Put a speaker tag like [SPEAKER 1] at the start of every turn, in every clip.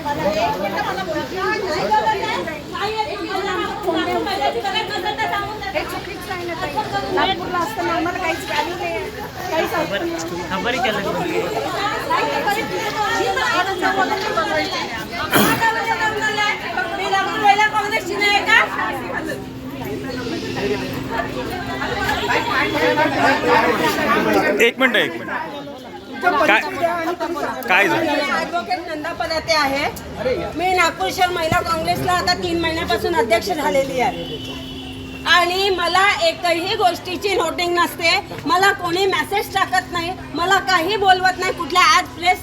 [SPEAKER 1] नागपूरला असताना आम्हाला काहीच व्हॅल्यू नाही, काहीच खबरही केलं
[SPEAKER 2] एक मिनिट काय झालं?
[SPEAKER 3] ॲडव्होकेट नंदा पदाते आहे. मी नागपूर शहर महिला काँग्रेसला आता 3 महिन्यापासून अध्यक्ष झालेली आहे आणि मला एकही गोष्टीची नोटिंग नसते. मला कोणी मेसेज टाकत नाही, मला काही बोलवत नाही. कुठल्या आज प्रेस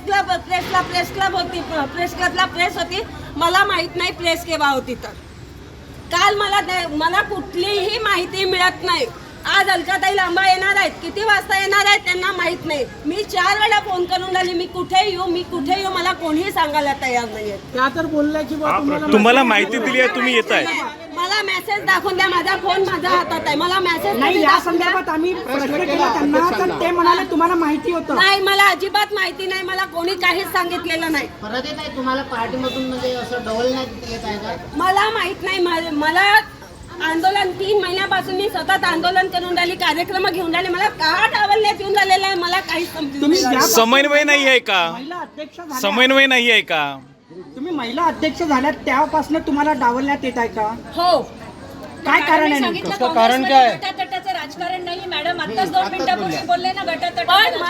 [SPEAKER 3] क्लबला प्रेस होती, मला माहित नाही प्रेस केव्हा होती. तर काल मला कुठलीही माहिती मिळत नाही. आज अलकाताई लांबा येणार आहेत, किती वाजता येणार आहेत त्यांना माहित नाही. मी 4 वेळा फोन करून राहिली, मी कुठे येऊ, मला कोणीही सांगायला तयार नाहीये.
[SPEAKER 1] त्या तर बोलल्या की
[SPEAKER 2] तुम्हाला माहिती दिली आहे, तुम्ही येत आहे.
[SPEAKER 3] मला मेसेज दाखवून द्या, माझा फोन माझ्या हातात आहे, मला मेसेज
[SPEAKER 1] नाही. या संदर्भात आम्ही प्रश्न केला त्यांना, तर ते म्हणाले तुम्हाला माहिती होतं.
[SPEAKER 3] नाही, मला अजिबात माहिती नाही, मला कोणी काहीच सांगितलेलं नाही.
[SPEAKER 4] परत येत आहे तुम्हाला पार्टीमधून, म्हणजे असं डबल नाही येत आहे का?
[SPEAKER 3] मला माहित नाही. मला आंदोलन 3 महिन्यापासून मी सतत आंदोलन करून राहिली, कार्यक्रम घेऊन राहिले, मला का डावलण्यात येऊन राहिलेलं आहे मला काहीच समजून.
[SPEAKER 2] समन्वय नाही आहे का?
[SPEAKER 1] महिला अध्यक्ष झाल्या,
[SPEAKER 2] समन्वय नाही आहे का?
[SPEAKER 1] तुम्ही महिला अध्यक्ष झाल्या त्यापासून तुम्हाला डावलण्यात येत आहे का?
[SPEAKER 3] हो.
[SPEAKER 1] काय कारण आहे नेमकं?
[SPEAKER 5] कारण काय?
[SPEAKER 6] गटातटाचं राजकारण नाही मॅडम. आताच 2 मिनिटापूर्वी बोलले ना, गटातट.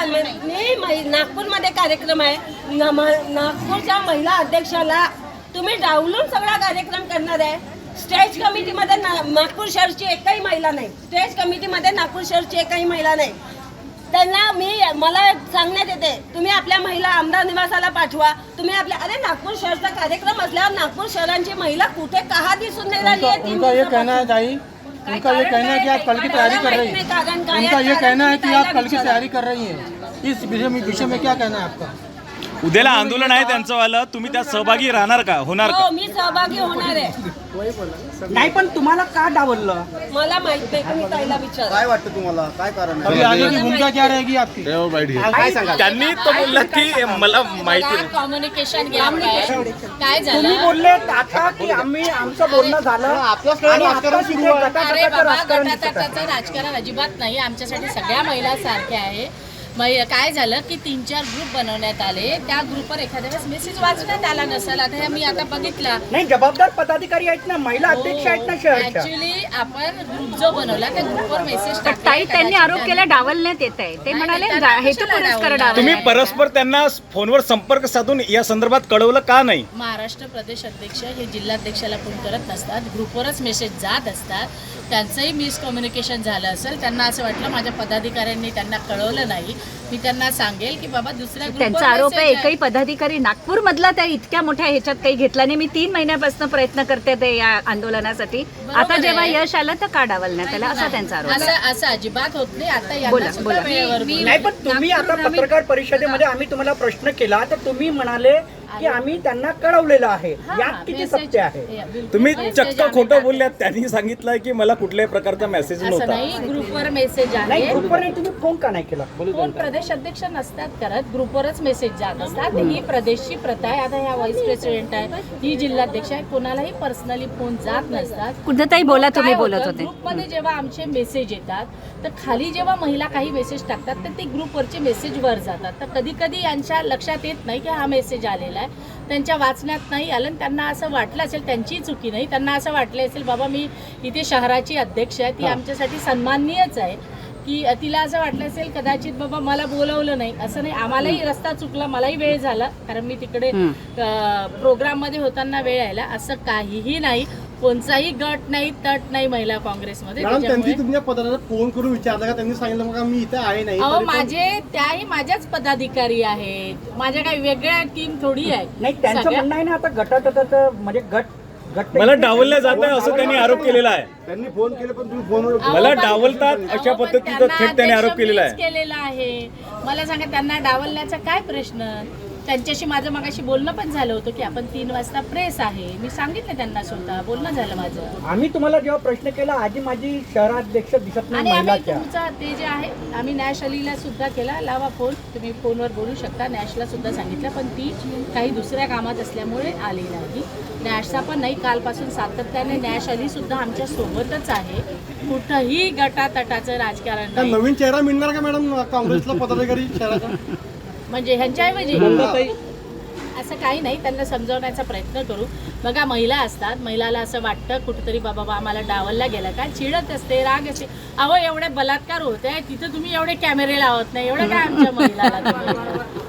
[SPEAKER 3] पण नागपूरमध्ये कार्यक्रम आहे, नागपूरच्या महिला अध्यक्षाला तुम्ही डावलून सगळा कार्यक्रम करणार आहे. स्टेज कमिटीमध्ये नागपूर शहरची एकही महिला नाही, स्टेज कमिटीमध्ये नागपूर शहरची एकही महिला नाही. त्यांना मला सांगण्यात येते तुम्ही आपल्या महिला आमदार निवासाला पाठवा, तुम्ही आपल्या अरे नागपूर शहरचा कार्यक्रम असल्यावर नागपूर शहरांची महिला कुठे कहा दिसून नहीं रही है?
[SPEAKER 5] उनका ये कहना है दाई, उनका ये कहना है कि आप कल की तैयारी कर रही हैं। उनका ये कहना है कि आप कल की तैयारी कर रही हैं। इस विषय में क्या कहना है आपका?
[SPEAKER 2] उद्याला आंदोलन आहे त्यांचं वाला, तुम्ही त्यात सहभागी राहणार का, होणार का?
[SPEAKER 3] हो, मी सहभागी होणार आहे.
[SPEAKER 1] नाही, पण तुम्हाला का डावललं?
[SPEAKER 3] मला माहित नाही, तुम्ही ताईला विचारा.
[SPEAKER 7] काय वाटतं तुम्हाला, काय कारण
[SPEAKER 5] अभी आगे की भूमिका क्या रहेगी आपकी?
[SPEAKER 7] काय सांगा?
[SPEAKER 2] त्यांनी तो बोलला की मला माहिती नाही.
[SPEAKER 6] कम्युनिकेशन गॅप आहे. काय
[SPEAKER 1] तुम्ही
[SPEAKER 6] झालं?
[SPEAKER 1] बोलले आता की आमचं बोलणं झालं आणि आता तिथे
[SPEAKER 6] अरे
[SPEAKER 1] गटातटाचं
[SPEAKER 6] बाबा,
[SPEAKER 1] राजकारण दिसत आहे.
[SPEAKER 6] गटातटाचं राजकारण अजिबात नाही. आमच्यासाठी सगळ्या महिला सारख्या आहे. काय झालं की 3-4 ग्रुप बनवण्यात आले, त्या ग्रुपवर एखाद्या वेळेस मेसेज वाचण्यात आला नसेल. आता मी आता बघितला,
[SPEAKER 1] नाही, जबाबदार पदाधिकारी आहेत ना, महिला अध्यक्ष आहेत ना शहरच्या.
[SPEAKER 6] ऍक्च्युली आपण ग्रुप जो बनवला त्या ग्रुपवर मेसेज
[SPEAKER 8] ताई त्यांनी आरोप केला डावलण्यात येत आहे. ते म्हणाले हेतू पुरस्कार डावलण्यात.
[SPEAKER 2] तुम्ही परस्पर त्यांना फोनवर संपर्क साधून या संदर्भात कळवलं का नाही?
[SPEAKER 6] महाराष्ट्र प्रदेश अध्यक्ष हे जिल्हाध्यक्षाला फोन करत नसतात, ग्रुपवरच मेसेज जात असतात. त्यांचंही मिसकम्युनिकेशन झालं असेल, त्यांना असं वाटलं माझ्या पदाधिकाऱ्यांनी त्यांना कळवलं नाही. मी त्यांना सांगेल की बाबा दुसऱ्या
[SPEAKER 8] त्यांचा आरोप आहे एकही पदाधिकारी नागपूर मधला त्या इतक्या मोठ्या ह्याच्यात काही घेतला नाही. मी 3 महिन्यापासून प्रयत्न करते ते या आंदोलनासाठी. आता जेव्हा यश आलं तर का डावलण्यात आलं असा त्यांचा आरोप आहे.
[SPEAKER 6] असं अजिबात होत नाही. आता
[SPEAKER 8] बोला,
[SPEAKER 6] यांना सुद्धा
[SPEAKER 8] बोला.
[SPEAKER 6] वेळेवर
[SPEAKER 1] नाही, पण तुम्ही आता पत्रकार परिषदेमध्ये आम्ही तुम्हाला प्रश्न केला तर तुम्ही म्हणाले की आम्ही त्यांना कळवलेलं आहे. यात किती सत्य आहे?
[SPEAKER 2] तुम्ही चक्क खोटं बोलल्यात. त्यांनी सांगितलं की मला कुठल्याही प्रकारचा मेसेज
[SPEAKER 6] असं
[SPEAKER 2] नव्हता.
[SPEAKER 6] नाही, ग्रुपवर मेसेज
[SPEAKER 1] नाही,
[SPEAKER 6] आहे.
[SPEAKER 1] ग्रुपवर नाही, तुम्ही फोन का नाही केला?
[SPEAKER 6] कोण प्रदेश अध्यक्ष नसतात करत, ग्रुपवरच मेसेज जात असतात. ही प्रदेशची प्रथा आहे. आता ह्या व्हाईस प्रेसिडेंट आहे, ही जिल्हाध्यक्ष आहे, कोणालाही पर्सनली फोन जात नसतात.
[SPEAKER 8] कुठेतरी बोला, तुम्ही बोलत होते.
[SPEAKER 6] ग्रुपमध्ये जेव्हा आमचे मेसेज येतात तर खाली जेव्हा महिला काही मेसेज टाकतात तर ते ग्रुपवरचे मेसेज वर जातात. तर कधी कधी यांच्या लक्षात येत नाही की हा मेसेज आलेला आहे, त्यांच्या वाचण्यात नाही आलं आणि त्यांना असं वाटलं असेल, त्यांची चुकी नाही, त्यांना असं वाटलं असेल बाबा मी इथे शहराची अध्यक्ष आहे, ती आमच्यासाठी सन्माननीयच आहे, की तिला असं वाटलं असेल कदाचित बाबा मला बोलवलं नाही. असं नाही, आम्हालाही रस्ता चुकला, मलाही वेळ झाला कारण मी तिकडे प्रोग्राममध्ये होताना वेळ यायला. असं काहीही नाही, कोणताही गट नाही, तट नाही महिला काँग्रेसमध्ये.
[SPEAKER 5] त्यांनी तुमच्या पदाला फोन करून विचारलं का? त्यांनी सांगितलं मग मी इथे आहे नाही.
[SPEAKER 6] अहो, त्याही माझ्याच पदाधिकारी आहेत, माझ्या काही वेगळ्या टीम थोडी आहे.
[SPEAKER 1] नाही, त्यांचं म्हणणं आहे ना आता गटातटाचं म्हणजे गट
[SPEAKER 2] मला डावललं जात आहे असं त्यांनी आरोप केलेला आहे.
[SPEAKER 7] त्यांनी फोन केले पण तुम्ही फोनवर
[SPEAKER 2] मला डावलतात अशा पद्धतीचा थेट त्यांनी आरोप केलेला आहे.
[SPEAKER 6] केलेला आहे. मला सांगा त्यांना डावलण्याचा काय प्रश्न? त्यांच्याशी माझं मगाशी बोलणं पण झालं होतं की आपण 3 वाजता प्रेस आहे, मी सांगितलं त्यांना स्वतः, बोलणं झालं माझं.
[SPEAKER 1] आम्ही तुम्हाला जेव्हा प्रश्न केला आजी माझी शहराध्यक्ष दिसत नाही
[SPEAKER 6] आणि आम्ही
[SPEAKER 1] महिलाच्या,
[SPEAKER 6] तुमचा ते जे आहे आम्ही नॅश अलीला सुद्धा केला, लावा फोन, तुम्ही फोनवर बोलू शकता. नॅशला सुद्धा सांगितलं, पण ती काही दुसऱ्या कामात असल्यामुळे आली नाही. नॅशचा पण नाही, कालपासून सातत्याने नॅश अली सुद्धा आमच्या सोबतच आहे. कुठंही गटातटाचं राजकारण नाही.
[SPEAKER 5] नवीन चेहरा मिळणार का मॅडम काँग्रेसला पदाधिकारी शहराचा?
[SPEAKER 6] म्हणजे ह्यांच्याऐवजी असं काही नाही, त्यांना समजावण्याचा प्रयत्न करू. बघा महिला असतात, महिलाला असं वाटतं कुठंतरी बाबा आम्हाला डावलला गेला का, चिडत असते, राग असते. अहो एवढे बलात्कार होते तिथं तुम्ही एवढे कॅमेरे लावत नाही, एवढं काय आमच्या महिलाला तुम्ही?